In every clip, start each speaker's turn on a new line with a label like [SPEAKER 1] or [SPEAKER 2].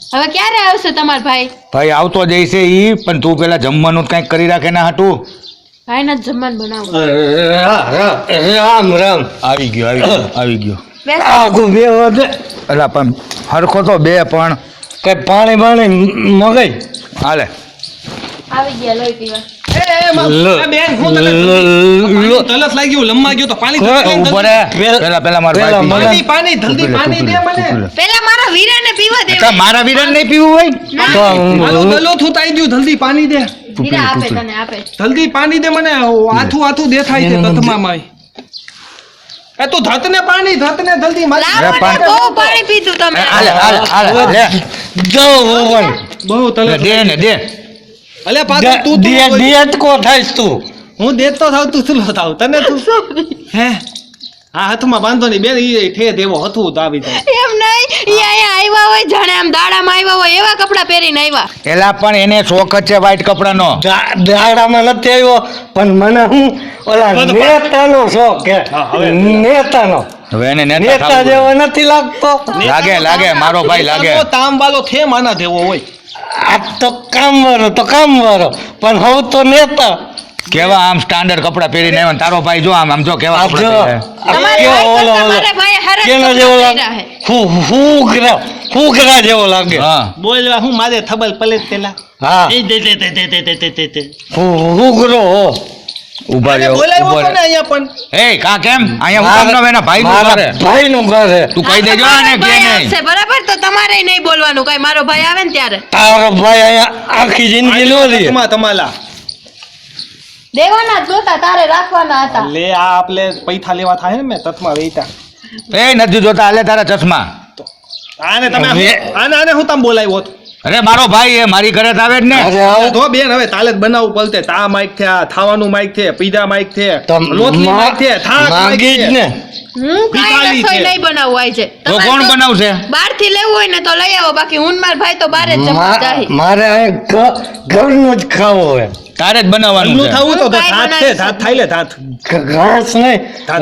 [SPEAKER 1] હવે ક્યારે આવશે તમાર ભાઈ?
[SPEAKER 2] ભાઈ આવતો જઈશે ઈ, પણ તું પેલા જમવાનું કંઈક કરી રાખે ના હાટું.
[SPEAKER 1] ભાઈને જ જમવાનું બનાવો.
[SPEAKER 3] રામ રામ.
[SPEAKER 2] આવી ગયો આવી ગયો.
[SPEAKER 1] બેસ.
[SPEAKER 3] આગું બે વધે
[SPEAKER 2] અલા પણ હરખો તો બે પણ
[SPEAKER 3] કઈ પાણી મગાઈ
[SPEAKER 2] હાલે.
[SPEAKER 1] આવી ગયા લોહી પીવા.
[SPEAKER 4] તલસ લાગી ગયું, લમ્મા ગયો તો પાણી
[SPEAKER 2] ઉપર પેલા મારો ભાઈ
[SPEAKER 4] પાણી જલ્દી પાણી દે મને.
[SPEAKER 1] પેલા મારા વીરાને પીવા દે.
[SPEAKER 2] મારા વીરન નહીં પીવું હોય
[SPEAKER 4] હાલો ગલો થૂતાઈ ગયું, જલ્દી પાણી દે.
[SPEAKER 1] વીરા આપે તને આપે.
[SPEAKER 4] જલ્દી પાણી દે મને, આથું દેખાય છે તતમામાં. એ તું ધતને પાણી ધતને જલ્દી મારી.
[SPEAKER 1] લાવો ને, બહુ પાણી પીધું તમે.
[SPEAKER 2] હાલે લે
[SPEAKER 3] જો ઓવન
[SPEAKER 4] બહુ તલસ
[SPEAKER 2] દે ને દે.
[SPEAKER 4] અલે પાછું તું
[SPEAKER 3] દિયત કો થાઈસ તું
[SPEAKER 4] હું દેતો થાવ તું સુલો થાવ તને તું હે હા હાથમાં બાંધો ની બેન ઈ ઠે દેવો હતું તો આવી જાય.
[SPEAKER 1] એમ નહીં, ઈ અહીંયા આવ્યા હોય જાણે આમ દાડામાં આવ્યા હોય એવા કપડાં પહેરીને આવ્યા.
[SPEAKER 2] એલા પણ એને શોખ જ છે વ્હાઈટ કપડાનો.
[SPEAKER 3] દાડામાં નથી આવ્યો પણ મને હું ઓલા નેતાનો શોખ કે નેતાનો
[SPEAKER 2] હવે એને
[SPEAKER 3] નેતા જેવો નથી લાગતો.
[SPEAKER 2] લાગે મારો ભાઈ લાગે.
[SPEAKER 4] તામ વાળો થે માના દેવો હોય.
[SPEAKER 3] આ તો કામ વાળો પણ હવે તો નેતા
[SPEAKER 2] કેવા આમ સ્ટાન્ડર્ડ કપડા પહેરીને આવ્યા ને તારો ભાઈ જો આમ જો કેવા કપડા પહેરે.
[SPEAKER 1] તમારે ભાઈ ભાઈ હરજ
[SPEAKER 3] કેનો જેવો લાગે ફૂકરા જેવો લાગે.
[SPEAKER 2] હા
[SPEAKER 4] બોલવા હું મારે થબલ પલેટ પેલા
[SPEAKER 3] હા
[SPEAKER 4] એ દે
[SPEAKER 3] ફૂકરો
[SPEAKER 2] ઉભા
[SPEAKER 4] અરે
[SPEAKER 2] રહ્યો
[SPEAKER 4] બોલાવ્યો
[SPEAKER 2] ઉભા
[SPEAKER 4] તો ને અહીંયા પણ
[SPEAKER 2] એ કા કેમ અહીંયા હું કામ એના ભાઈ નું કરે
[SPEAKER 3] ભાઈનું ઘરે
[SPEAKER 2] તું કહી દેજો ને
[SPEAKER 1] મારો
[SPEAKER 2] કે
[SPEAKER 1] ભાઈ
[SPEAKER 2] નહીં.
[SPEAKER 1] આવશે, બરાબર? તો તમારે નહીં બોલવાનું કઈ. મારો ભાઈ આવે ને ત્યારે
[SPEAKER 3] તારો ભાઈ અહીંયા આખી જિંદગી નો લે
[SPEAKER 4] તમાલા
[SPEAKER 1] દેવાના જ નહોતા, તારે રાખવાના હતા.
[SPEAKER 4] લે આ આપણે પૈસા લેવા થાય ને મેં તતમાં વેચતા
[SPEAKER 2] એ નથી જોતા હાલે તારા ચશ્મા.
[SPEAKER 4] આને તમે આને હું તમે બોલાવ્યો હતો
[SPEAKER 2] અરે મારો ભાઈ એ મારી ઘરે જ આવે જ ને.
[SPEAKER 3] અરે આવો
[SPEAKER 4] તો બેન હવે તાલે જ બનાવવું પડતે. તા માઈક છે, આ ખાવાનું માઈક છે, પીઝા માઈક છે,
[SPEAKER 3] તમ
[SPEAKER 4] લોટલી માઈક છે, થાક માઈક
[SPEAKER 3] માંગી જ
[SPEAKER 4] છે.
[SPEAKER 3] ને
[SPEAKER 1] હું કાંઈ
[SPEAKER 4] ભિખારી
[SPEAKER 1] રસોઈ
[SPEAKER 4] છે.
[SPEAKER 1] નહીં બનાવવું હોય છે.
[SPEAKER 2] તો કોણ બનાવશે?
[SPEAKER 1] બહારથી લેવું હોય ને તો લઈ આવો, બાકી હું ને મારા ભાઈ તો બહાર જ જમવા જાય.
[SPEAKER 3] મારે અહીંયા ઘરનું જ ખાવું હોય
[SPEAKER 2] તારે જ બનાવવાનું
[SPEAKER 4] ઘરનું
[SPEAKER 2] છે.
[SPEAKER 4] થવું તો
[SPEAKER 1] હું કાંઈ
[SPEAKER 4] ધાત છે,
[SPEAKER 1] બનાવીશ.
[SPEAKER 4] ધાત થાય લે ધાત
[SPEAKER 3] ઘાસ નહીં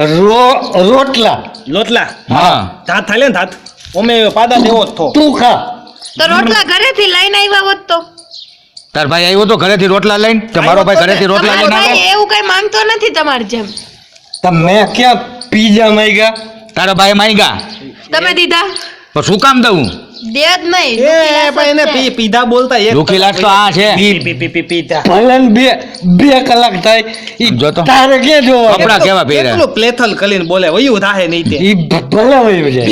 [SPEAKER 3] રોટલા
[SPEAKER 4] લોટલા
[SPEAKER 2] હા
[SPEAKER 4] ધાત થાય લે ને ધાત ઓમે પાદા દેવો જ થો
[SPEAKER 3] તું ખા
[SPEAKER 1] તો રોટલા ઘરેથી લઈને આવ્યા હોત તો.
[SPEAKER 2] તાર ભાઈ આવ્યો તો ઘરેથી રોટલા લઈને તો મારો ભાઈ ઘરેથી રોટલા
[SPEAKER 1] તમારો
[SPEAKER 2] લઈને આવે.
[SPEAKER 1] ભાઈ એવું કઈ માંગતો નથી તમારી જેમ.
[SPEAKER 3] તમે ક્યાં પીઝા માંગ્યા
[SPEAKER 2] તારા ભાઈ માંગ્યા
[SPEAKER 1] તમે દીધા
[SPEAKER 2] તો શું કામ દઉં?
[SPEAKER 1] દે જ નહીં.
[SPEAKER 4] એ પણ એને પીધા બોલતા એક
[SPEAKER 2] દુખી લાટ તો આ છે.
[SPEAKER 4] પીધા
[SPEAKER 3] ભલે ને બે કલાક થાય ઈ
[SPEAKER 2] જોતો.
[SPEAKER 3] તારે ક્યાં જોવા
[SPEAKER 2] કપડા કેવા પહેર્યા?
[SPEAKER 4] કેટલું પ્લેથલ કરીને બોલે વયું થાહે નહીં તે
[SPEAKER 3] ઈ ભલે વયું જાય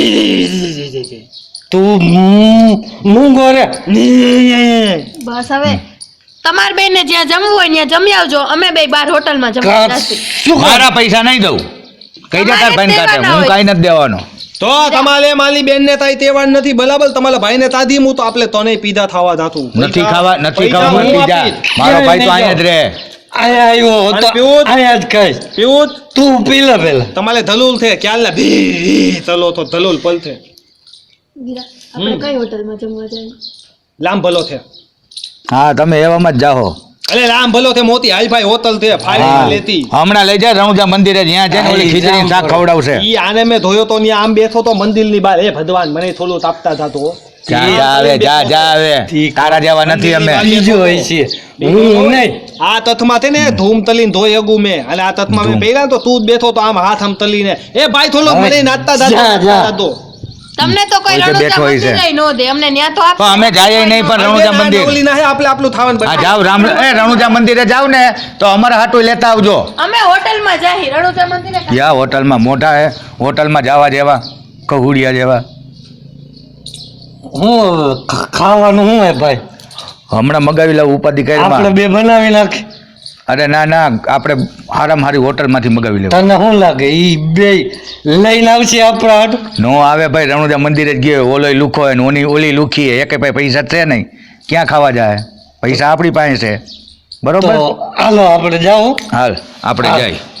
[SPEAKER 3] તું મૂંગો રે
[SPEAKER 1] બસ હવે તમાર બેને જ્યાં જમવું હોય ત્યાં જમી આવજો. અમે બે બાર હોટલમાં જમવા જશું.
[SPEAKER 3] શું કર
[SPEAKER 2] મારા પૈસા નહીં દઉં. કઈ દે તાર ભાઈને કાઢે. હું કાંઈ નથી દેવાનો.
[SPEAKER 4] તો તમારે માલી બેન ને તાઈ તેવાડ નથી બરાબર. તમારા ભાઈ ને તાધી હું તો આપણે તને પીધા ખાવા જાતું
[SPEAKER 2] નથી ખાવા
[SPEAKER 4] પૈસા હું
[SPEAKER 2] પીઝા.
[SPEAKER 4] આપીશ.
[SPEAKER 2] મારો ભાઈ તો અહીંયા જ રહે.
[SPEAKER 3] અહીંયા આવ્યો
[SPEAKER 4] અને
[SPEAKER 3] તો
[SPEAKER 4] પીવું જ?
[SPEAKER 3] અહીંયા જ ખાઈશ
[SPEAKER 4] પીવું જ?
[SPEAKER 3] તું પી લે પેલા
[SPEAKER 4] તમારે ધલુલ છે ક્યાલ ના ભી ચલો તો ધલુલ પલ છે
[SPEAKER 1] આપણે કઈ હોટલમાં જમવા જાય?
[SPEAKER 4] લામ ભલો છે
[SPEAKER 2] હા તમે એવામાં જ જાઓ.
[SPEAKER 4] અરે રામ ભલો છે મોતી હાલ ભાઈ હોટલ છે ફાડી લેતી
[SPEAKER 2] હમણાં લઈ જાય રણુજા મંદિરે જ્યાં છે ને ઓલી ખીચડી શાક ખવડાવશે.
[SPEAKER 4] ઈ આને મેં ધોયો તો ન્યા આમ બેઠો તો મંદિર ની બહાર. હે ભગવાન મને થોડું તાપતા થતો
[SPEAKER 2] જા આવે જા આવે. તારા જેવા નથી અમે.
[SPEAKER 3] બીજું હોય છે હું નહીં
[SPEAKER 4] આ તથમાં છે ને ધૂમ તલીને ધોઈ અગું મેં અને આ તથમાં મેં પહેર્યા તો તું જ બેઠો તો આમ હાથ આમ તલીને એ ભાઈ થોડો મને નાચતા
[SPEAKER 3] જા.
[SPEAKER 4] થતો
[SPEAKER 1] તમને તો કોઈ
[SPEAKER 2] કોઈ તો
[SPEAKER 1] રણુજા
[SPEAKER 2] બેઠો હોય છે.
[SPEAKER 1] મંદિરે નો દે. અમને ન્યા તો
[SPEAKER 2] તો
[SPEAKER 1] આપે.
[SPEAKER 2] અમે જઈએ નહીં પણ રણુજા મંદિર.
[SPEAKER 4] ઓલી ના હે આપણે આપણું થાવન
[SPEAKER 2] હા જાવ રણુજા મંદિરે જાવ ને તો અમારા હાટું લેતા આવજો.
[SPEAKER 1] અમે હોટલમાં જાય રણુજા મંદિરે.
[SPEAKER 2] યા હોટલમાં મોટા હે હોટલમાં જવા જેવા કહુડિયા જેવા.
[SPEAKER 3] હું ખાવાનું શું હે ભાઈ
[SPEAKER 2] હમણાં મગાવી લાવ ઉપાધિ
[SPEAKER 3] આપણે
[SPEAKER 2] કરી.
[SPEAKER 3] બે બનાવી નાખી
[SPEAKER 2] અરે ના આપણે હારામાં હારી હોટલમાંથી મગાવી લેવું.
[SPEAKER 3] તને શું લાગે ઈ બે લઈને આવશે આપણા હાટુ
[SPEAKER 2] નો આવે ભાઈ રણુજા મંદિરે જ ગયો. ઓલોય લુખો હોય ને ઓલી લુખી હે. એકે ભાઈ પૈસા છે નહીં. ક્યાં ખાવા જાય? પૈસા આપણી પાસે છે. બરોબર
[SPEAKER 3] તો હાલો આપણે જાઓ
[SPEAKER 2] હાલ આપણે
[SPEAKER 3] હા.
[SPEAKER 2] જાય.